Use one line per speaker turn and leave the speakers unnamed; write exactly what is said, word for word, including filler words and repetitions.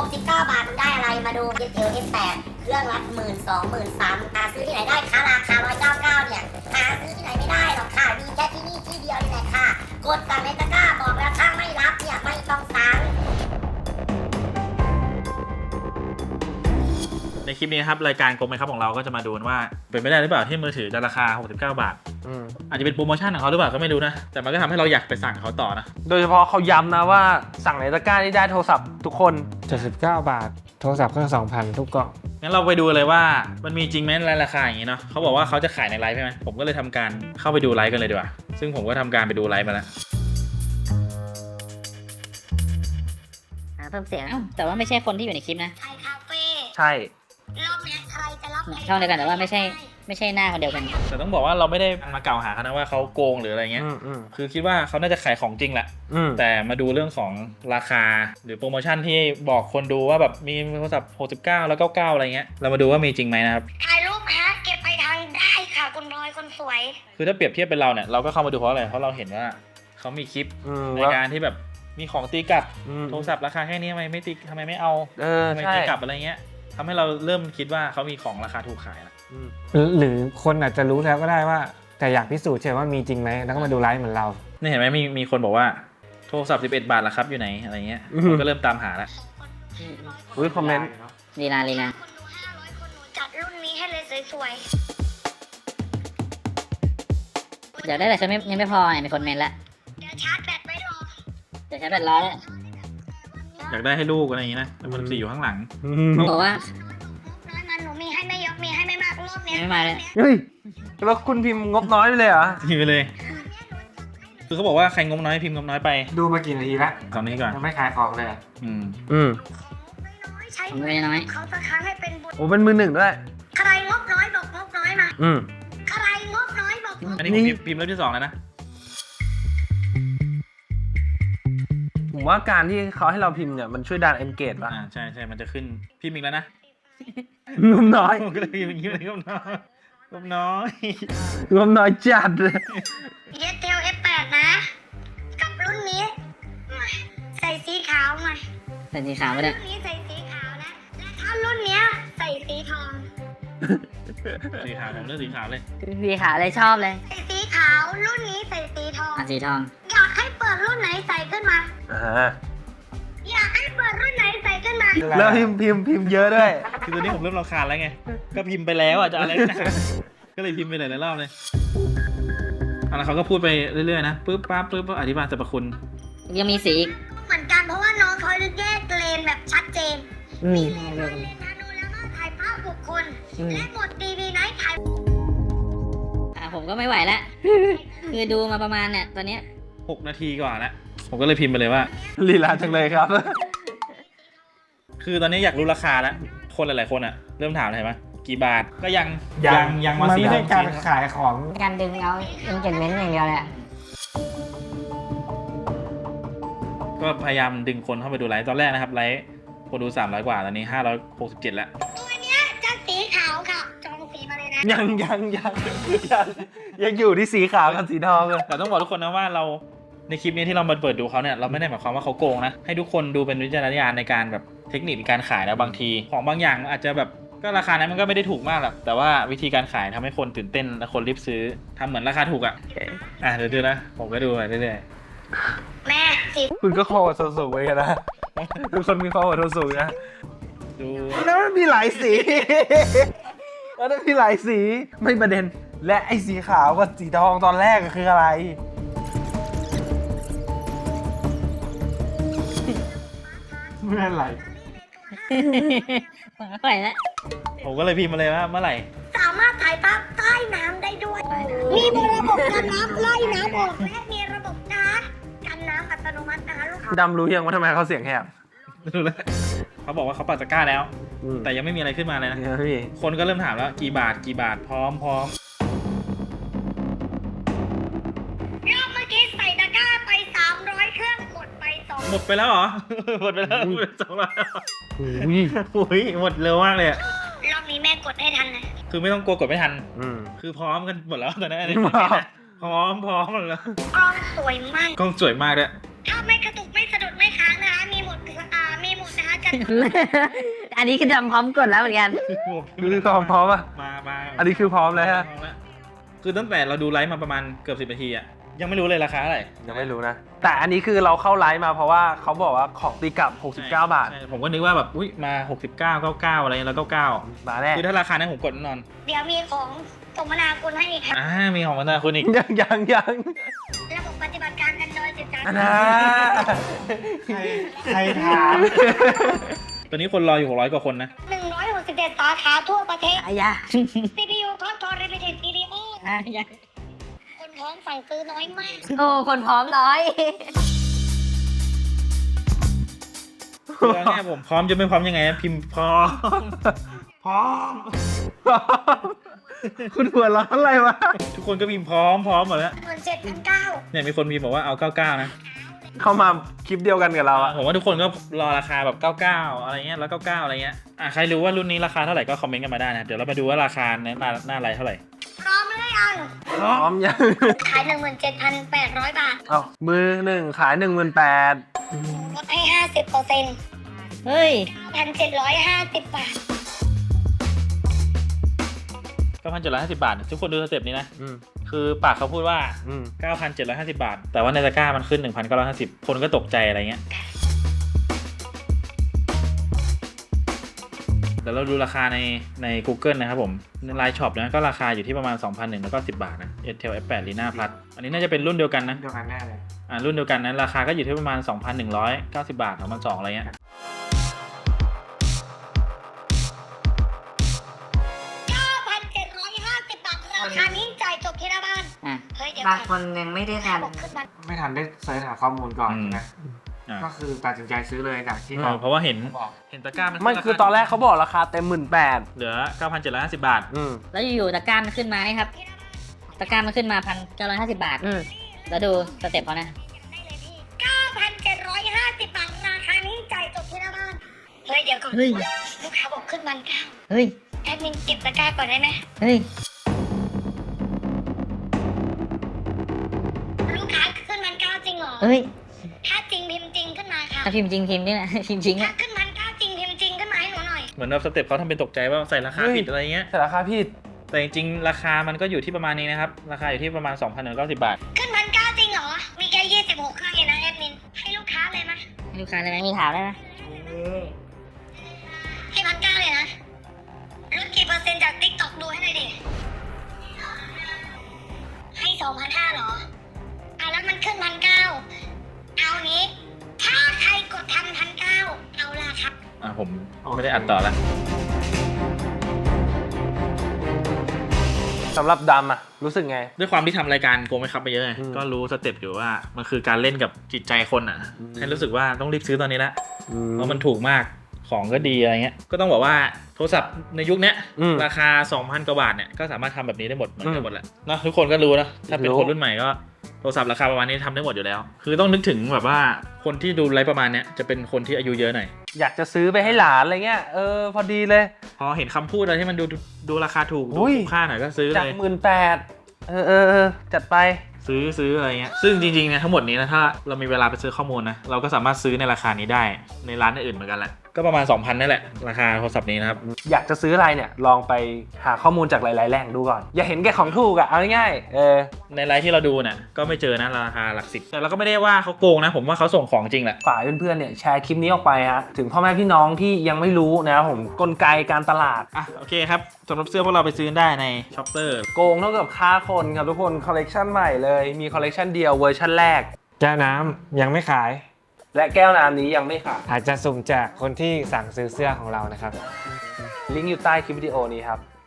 กสิบเก้าบาทมึงได้อะไรมาดูเจเจล เอส แปด เครื่องละหมื่นสองหมื่นสามหาซื้อที่ไหนได้คะราคาหนึ่งร้อยเก้าสิบเก้าเนี่ยหาซื้อที่ไหนไม่ได้หรอกค่ะมีแค่ที่นี่ที่เดียวนี่แหละค่ะกดสั่งในตะกร้าบอกแล้วถ้าไม่รับเนี่ยไม่ต้องสั่ง
ในคลิปนี้ครับรายการโกงไหมครับของเราก็จะมาดูว่าเป็นไปได้หรือเปล่าที่มือถือจะราคาหกสิบเก้าบาทอาจจะเป็นโปรโมชั่นของเขาหรือเปล่าก็ไม่รู้นะแต่มันก็ทำให้เราอยากไปสั่งเขาต่อนะ
โดยเฉพาะเขาย้ำนะว่าสั่งในตะกร้านี่ได้โทรศัพท์ทุกคน
เจ็ดสิบเก้าบาทโทรศัพท์เครื่อง สองพัน ทุกกล่อง
งั้นเราไปดูเลยว่ามันมีจริงไหมในราคาอย่างนี้เนาะเขาบอกว่าเขาจะขายในไลฟ์ใช่ไหมผมก็เลยทำการเข้าไปดูไลฟ์กันเลยดีกว่าซึ่งผมก็ทำการไปดูไลฟ์มาแล้ว
เพิ่มเสียง
แต่ว่าไม่ใช่คนที่อยู่ในคลิปนะ
ไทยคาเฟ่
ใช่
รอบนี้ใครจะรับ
ช่องเดียวกันแต่ว่าไม่ใช่ไม่ใช่หน้าคนเดียวกัน
แต่ต้องบอกว่าเราไม่ได้มากล่าวหาเขานะว่าเขาโกงหรืออะไรเงี้ยคือคิดว่าเขาน่าจะขายของจริงแหละแต่มาดูเรื่องของราคาหรือโปรโมชั่นที่บอกคนดูว่าแบบมีโทรศัพท์หกสิบเก้าแล้วเก้าสิบเก้าอะไรเงี้ยเรามาดูว่ามีจริงไหมนะครับ
ถ่ายรูปฮะเก็บไปทางได้ค่ะคุณพลอยคนสวย
คือถ้าเปรียบเทียบเป็นเราเนี่ยเราก็เข้ามาดูเพราะอะไรเพราะเราเห็นว่าเขามีคลิปในการที่แบบมีของตีกลับโทรศัพท์ราคาแค่นี้ทำไมไม่ตีทำไมไม่เอาทำไมตีกลับอะไรเงี้ยทำให้เราเริ่มคิดว่าเขามีของราคาถูกขายแล้ว
หรือคนอาจจะรู้แล้วก็ได้ว่าแต่อยากพิสูจน์ใช่ว่ามีจริงไหมแล้วก็มาดูไลฟ์เหมือนเรา
นี่เห็นไหมมีมีคนบอกว่าโทรศัพท์สิบเอ็ดบาทละครับอยู่ไหนอะไรเงี้ยก็เริ่มตามหาแล้ว
อุ้ยคอมเมนต์
ลีนาลีนา
จัดรุ่นนี้ให้เลยสวย
ๆเดี๋ยวได้แต่ฉันไม่ยังไม่พอไงมีคนเมนละ
เดี๋ยวชาร์จแบตไว้รอ
เดี๋ยวชาร์จแบตรอแล้ว
อยากได้ให้ลูกอะไรอย่างงี้นะแต่มันสี่อยู่ข้างหลัง
บอกว่า
น้อยมันหนูมีให้ไม่เยอะมีให้ไม่มากรอบนี้
ไม่มาเลย
เฮ้ยแล้วคุณพิมพ์งบน้อยไปเลยเหรอ
พิมพ์ไปเลยคือเขาบอกว่าใครงบน้อยพิมพ์งบน้อยไป
ดูมากี่นาทีแล้ว
ตอนนี้ก่อน
ยังไม่ขายของเลย
อืม
อืม
ใช้ไม่น้อยเขาจะค้างให้เป็นบุญ
โอ้เป็นมือหนึ่งด้วย
ใครงบน้อยบอกงบน้อยมา
อืม
ใครงบน้อยบอก
อันนี้ผมพิมพ์เล่มที่สองแล้วนะ
ผมว่าการที่เขาให้เราพิมพ์เนี่ยมันช่วยดัน engage ป่ะ
อ่าใช่ใช่มันจะขึ้นพิมพ์อีกแล้วนะ
งบน้อย
ผมก็เลยพิมพ์อย่างนี้เลยงบน้อยงบน้อย
งบน้อยจัดเลย
เยเทล เอฟ แปด นะกับรุ่นนี้ใส่สีขาวมา
ใส่สีขาวไม่ได้
รุ่นนี้ใส่สีขาวนะและถ้ารุ่นเนี้ยใส่สีทอง
สีขาวผมเลือกสีขาวเลย
สีขาวเลยชอบเลย
ใส่สีขาวรุ่นนี้ใส่สีทอง
อ่ะสีทอง
อยากให้เปิดรุ่นไหนใส่ขึ้นมา
อ่า
อยากให้เปิดรุ่นไหนใส่ขึ้นมา
แล้วพิมพ์พิมพ์พิมพ์เยอะด้วย
คือตอนนี้ผมเริ่มรำคาญแล้วไงก็พิมพ์ไปแล้วอ่ะจะอะไรนะก็เลยพิมพ์ไปหลายรอบเลยอ่ะแล้วเขาก็พูดไปเรื่อยๆนะปึ๊บปั๊บปึ๊บอธิบายสรรพคุณ
ยังมีสี
เหมือนกันเพราะว่าน้องเขาแยกเลนแบบชัดเจนมีเลนเลนนาโนแล้วก็ถ่ายภาพบุคคลและหมดทีวีไนท์ถ่าย
อ่ะผมก็ไม่ไหวแล้วคือดูมาประมาณเนี่ยตอนนี้
หกนาทีกว่าแล้วผมก็เลยพิมพ์ไปเลยว่า
ลีลาจังเลยครับ
คือตอนนี้อยากรู้ราคาแล้วคนหลายๆคนอ่ะเริ่มถามเลยไหมกี่บาทก็ยัง
ยัง
ยัง
มันไม่ใช่การขายของ
การดึงเอาอินเกจเมนต์อย่างเดียวแหละ
ก็พยายามดึงคนเข้าไปดูไลฟ์ตอนแรกนะครับไลฟ์คนดูสามร้อยกว่าตอนนี้ห้าร้อยหกสิบเจ็ดแล้ว
ตัวเนี้ยจะสีขาวค่ะจองสีมาเลยนะ
ยังยังยังยังยังอยู่ที่สีขาวกับสีทองเลย
แต่ต้องบอกทุกคนนะว่าเราในคลิปนี้ที่เรามาเปิดดูเขาเนี่ยเราไม่ได้หมายความว่าเขาโกงนะให้ทุกคนดูเป็นวิจารณญาณในการแบบเทคนิคการขายแล้วบางทีของบางอย่างอาจจะแบบก็ราคานั้นมันก็ไม่ได้ถูกมากหรอกแต่ว่าวิธีการขายทำให้คนตื่นเต้นและคนรีบซื้อทำเหมือนราคาถูกอ่ะอ่ะเดี๋ยวดูนะผมก็ดูไปเรื่อย
ๆแม่สิ
คุณก็คอทนสูงไปกันนะทุกคนมีคอทนสูงนะ
ดู
แล้วมันมีหลายสีแล้วมันมีหลายสีไม่ประเด็นและไอ้สีขาวกับสีทองตอนแรกคืออะไรเมื่อไหร่
ผมก็ไปแล้ว
ผมก็เลยพิมพ์มาเลยว่าเมื่อไหร่
สามารถถ่ายภาพใต้น้ำได้ด้วยมีระบบกันน้ำไล่น้ำออกและมีระบบการ์ดกันน้ำอัตโนมัตินะคะลูกค้า
ดำรู้ยังว่าทำไมเขาเสียงแหบ
รู้แล้วเขาบอกว่าเขาปัดตะกร้าแล้วแต่ยังไม่มีอะไรขึ้นมาเลยนะคนก็เริ่มถามแล้วกี่บาทกี่บาทพร้อมพร้อม
รอบเมื่อกี้ใส่ตะกร้าไปสามร้อยเครื่องหมดไปสอง
หมดไปแล้วเหรอหมดไปแล้วหมดสองร้อยอุ้ยหมดเร็วมากเลย
รอบนี้แม่กดให้ทันนะ
คือไม่ต้องกลัวกดไม่ทันคือพร้อมกันหมดแล้วตอนนี้พร้อมพร้อมหมดแล้ว
กล้องสวยมาก
กล้องสวยมากด้วย
ถ้าไม่กระตุกไม่สะดุดไม่ค้างนะคะมีหมดอ่ามีหมดนะคะจะ
อันนี้คือทำพร้อมกดแล้วเหมือนกัน
คือพร้อมพร้อมอ่ะ
มามา
อันนี้คือพร้อมแล้วฮะ
พร้อมแล้วคือตั้งแต่เราดูไลฟ์มาประมาณเกือบสิบนาทีอะยังไม่รู้เลยราคาเท่าไหร่
ยังไม่รู้นะ แต่อันนี้คือเราเข้าไลฟ์มาเพราะว่าเขาบอกว่าของตีกลับหกสิบเก้าบาท
ใช่ผมก็นึกว่าแบบอุ้ยมาหกสิบเก้า เก้าสิบเก้าอะไรแล้วเก้าสิบเก้า
มาแน่
คือถ้าราคานั้นผมกดแน่นอน
เดี๋ยวมีของสมนาคุณให้อีกค่ะ
อ่ามีของมันนาคุณอีก
ยังยังยัง
ระบบปฏิบัติการ Android สิบสาม
อันนะ
ใครถาม ตอนนี้คนรออยู่หกร้อยกว่าคนนะ
หนึ่งร้อยหกสิบเจ็ดสาขาทั่วประเทศ
อายา
ซี พี ยู Control Repeated วี ดี โอ
อายา
คนพร้อมสั่งซื้อน้อยมาก
โอ้คนพร้อมน้อย
คือเอาง่ายๆผมพร้อมจะไม่พร้อมยังไงพิมพ์พร้อม พร้อม
คุณหัวเร้อนอะไรวะ
ทุกคนก็พิมพ์พร้อมพร้อมหมดแล้ว
หมื่นเจ็ดพันเก้า
เนี่ยมีคนพิมพ์บอกว่าเอาเก้าสิบเก้านะ
เข้ามาคลิปเดียวกันกับเราอะ
ผมว่าทุกคนก็รอราคาแบบเก้าสิบเก้าอะไรเงี้ยแล้วเก้าสิบเก้าอะไรเงี้ยอ่ะใครรู้ว่ารุ่นนี้ราคาเท่าไหร่ก็คอมเมนต์กันมาได้นะเดี๋ยวเรามาดูว่าราคาในหน้าหน้าไลน์เท่าไหร่
พร้อมหรือยัง
พร้อมยัง
ขายหนึ่งหมื่นเจ็ดพันแปดร้อยบาท
เอามือหนึ่งขายหนึ่งหมื่นแปด
ลดให้ห้าสิบเปอร์เซ็นต์
เฮ้ย
พันเจ็ดร้อยห้าสิบบาท
เก้าพันเจ็ดร้อยห้าสิบบาท ทุกคนดูสเต็ปนี้นะ
อืม
คือปากเขาพูดว่า
อืม
เก้าพันเจ็ดร้อยห้าสิบบาท แต่ว่าในตะกร้ามันขึ้น หนึ่งพันเก้าร้อยห้าสิบ คนก็ตกใจอะไรเงี้ยเดี๋ยวเราดูราคาในใน Google นะครับผมในไลน์ช็อปนะก็ราคาอยู่ที่ประมาณ สองพันหนึ่งร้อยแล้วก็สิบบาทนะ Intel เอฟ แปด Lina Plus อันนี้น่าจะเป็นรุ่นเดียวกันนะ
เดียวกันแน่เลย
อ่ารุ่นเดียวกันนั้นราคาก็อยู่ที่ประมาณ สองพันหนึ่งร้อยเก้าสิบบาท สองพันสองร้อยอะไรเงี้ย
เก้าพันเจ็ดร้อยห้าสิบบาท ราคานี้จ่ายจบที่หน้าบ้าน
อ่ะ
เฮ้ยเดี๋ยว
บางคนยังไม่ได้ทัน
บอกขึ้นมา
ไม่ทันได้เสิร์ชหาข้อมูลก่อน
อืม
นะ
อ่า
ก็คือตัดสินใจซื้อเลยจากที่
เออเพราะว่าเห็น
บอก
เห็นตะกร้ามัน
ไม่คือตอนแรกเขาบอกราคาเต็มหมื่นแปด
เหลือ เก้าพันเจ็ดร้อยห้าสิบบาท
อืม
แล้วอยู่ๆตะกร้ามันขึ้นมานี่ครับ ตะกร้ามันขึ้นมาพันเก้าร้อยห้าสิบบาท อืมแล้วดูสเต็ปเขานะ
ได้เลยพี่เก้าพันเจ็ดร้อยห้าสิบบาท ราคานี้จ่ายจบที่หน้าบ้าน เฮ้ยเดี๋ยวก่อน
เฮ้ย
ลูกค้าบอกขึ้นมันเก้า
เฮ้ย
แอดมินเก็บตะกร้าก่อนได้ไหม
เฮ้ย
ลูกค้าขึ้นมันเก้าจริงเหรอ
เฮ้ย
ถ้าจริงพิมพ์จริงขึ้นมาค่ะ
ถ้าพิมพ์จริงพิมพ์นี่แหละ พิมพ์จริง
ถ้า
อ่ะ
ขึ้นมันเก้าจริงพิมพ์จริงขึ้นมาให้หนูหน่อย
เหมือนแบบสเต็ปเขาทำเป็นตกใจว่าใส่ราคา
เฮ้ย
ผิดอะไรเงี้ย
แต่ราคาผิด
แต่จริงๆราคามันก็อยู่ที่ประมาณนี้นะครับ ราคาอยู่ที่ประมาณ สองพันหนึ่งร้อยเก้าสิบบาท
ขึ้นพันเก้าจริงเหรอ มีแค่ยี่สิบหกเครื่องเองนะแอดมิน ให้ลูกค้าเลยไหม
ให้ลูกค้าเลยไหมมีถามได้ไหม
ให้พันเก้าเลยนะลดกี่เปอร์เซ็นต์จากติ๊กต็อกดูให้หน่อยดิ ให้สองพันห้าเหรออ่ะแล้วมันขึ้นพันเก้าเอางี้ ถ้าใครกดทันพันเก้าเอาละครับ
อ่ะผมไม่ได้อัดต่อละ
สำหรับดำอะรู้สึกไง
ด้วยความที่ทำรายการโกงไม่ครับไปเยอะไง
อืม
ก็รู้สเต็ปอยู่ว่ามันคือการเล่นกับจิตใจคนอ่ะ
อืม
ให้รู้สึกว่าต้องรีบซื้อตอนนี้ละ
อืม
เพราะมันถูกมากของก็ดีอะไรเงี้ยก็ต้องบอกว่าโทรศัพท์ในยุคเนี้ย
อืม
ราคา สองพัน กว่าบาทเนี่ยก็สามารถทำแบบนี้ได้หมดเหมือน
อื
กัน
ม
หมดแหละเนอะทุกคนก็รู้นะถ้าเป็น
รู้
คนรุ่นใหม่ก็โทรศัพท์ราคาประมาณนี้ทำได้หมดอยู่แล้ว คือต้องนึกถึงแบบว่าคนที่ดูไลฟ์ประมาณเนี้ยจะเป็นคนที่อายุเยอะหน่อย
อยากจะซื้อไปให้หลานอะไรเงี้ย เออ พอดีเลย
พอเห็นคำพูดอะไรที่มันดูดูราคาถูกดู
อุ้ย
คุ้มค่าหน่อยก็ซื้อ
จาก
เลย
หมื่นแปดเออเออเออจัดไป
ซื้อซื้ออะไรเงี้ยซึ่งจริงๆเนี่ยทั้งหมดนี้นะถ้าเรามีเวลาไปซื้อข้อมูลนะเราก็สามารถซื้อในราคานี้ได้ในร้านอื่นเหมือนกันแหละก็ประมาณ สองพัน นั่นแหละราคาโทรศัพท์นี้นะครับ
อยากจะซื้ออะไรเนี่ย ลองไปหาข้อมูลจากหลายๆแหล่งดูก่อน อย่าเห็นแก่ของถูกอะเอาง่ายๆเออ
ในไลฟ์ที่เราดูเนี่ยก็ไม่เจอนะราคาหลักสิบแต่เราก็ไม่ได้ว่าเขาโกงนะผมว่าเขาส่งของจริงแหละ
ฝ่ายเพื่อนๆเนี่ยแชร์คลิปนี้ออกไปฮะถึงพ่อแม่พี่น้องที่ยังไม่รู้นะครับผมกลไกการตลาด
อ่ะโอเคครับสำหรับเสื้อพวกเราไปซื้อได้ในช็อปเปอร์
โกงเท่ากับฆ่าคนครับทุกคนคอลเลกชันใหม่เลยมีคอลเลกชันเดียวเวอร์ชันแรก
แก้วน้ำยังไม่ขาย
และแก้วน้ำนี้ยังไม่ขาย
อาจจะสุ่มแจกคนที่สั่งซื้อเสื้อของเรานะครับ
ลิงก์อยู่ใต้คลิปวิดีโอนี้ครับ